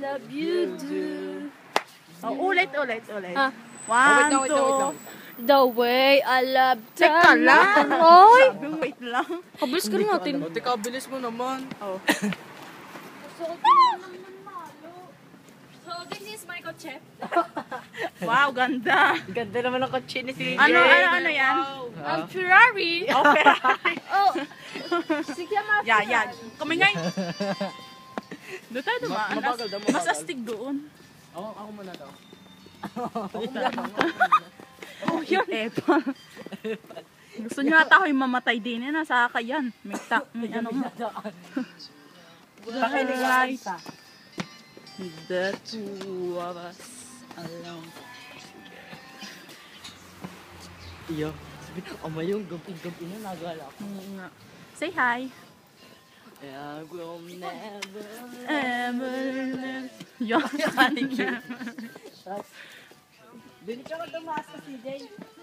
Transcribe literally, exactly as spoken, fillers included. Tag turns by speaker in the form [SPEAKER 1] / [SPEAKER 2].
[SPEAKER 1] love you do.
[SPEAKER 2] Oh, ulit, ulit, ulit.
[SPEAKER 1] Ah.
[SPEAKER 2] One,
[SPEAKER 3] Oh, wait lang, wait lang, wait lang.
[SPEAKER 2] two.
[SPEAKER 1] The way I love
[SPEAKER 2] Teka lang.
[SPEAKER 1] Oy!
[SPEAKER 2] Sabi, wait lang.
[SPEAKER 1] Pabilis ka na natin.
[SPEAKER 3] O, teka, bilis mo naman.
[SPEAKER 2] Oh.
[SPEAKER 1] So, this is my kotse.
[SPEAKER 2] Wow, ganda.
[SPEAKER 3] Ganda naman ang kotse ni si
[SPEAKER 2] Ano, ano, ano yan?
[SPEAKER 1] Ang Ferrari.
[SPEAKER 2] Okay.
[SPEAKER 1] Oh. Sige, ma.
[SPEAKER 2] Yeah, yeah. Kumingay. Doon tayo dumaan.
[SPEAKER 3] Mabagal daw,
[SPEAKER 2] Mas
[SPEAKER 3] mabagal.
[SPEAKER 2] astig doon.
[SPEAKER 3] Ako, ako muna daw.
[SPEAKER 2] Oh, yun. Epa. Gusto nyo ata ako yung mamatay din. Yan, nasa kakayan. May tak, may ano mo. Right. The two of us alone.
[SPEAKER 3] Iyo. Sabi, ama yung gamping-gamping na nagala ko.
[SPEAKER 2] Oo nga. Say hi.
[SPEAKER 3] I will never
[SPEAKER 2] Ever. Yun.
[SPEAKER 3] Dili ka magtumaas ka, C J.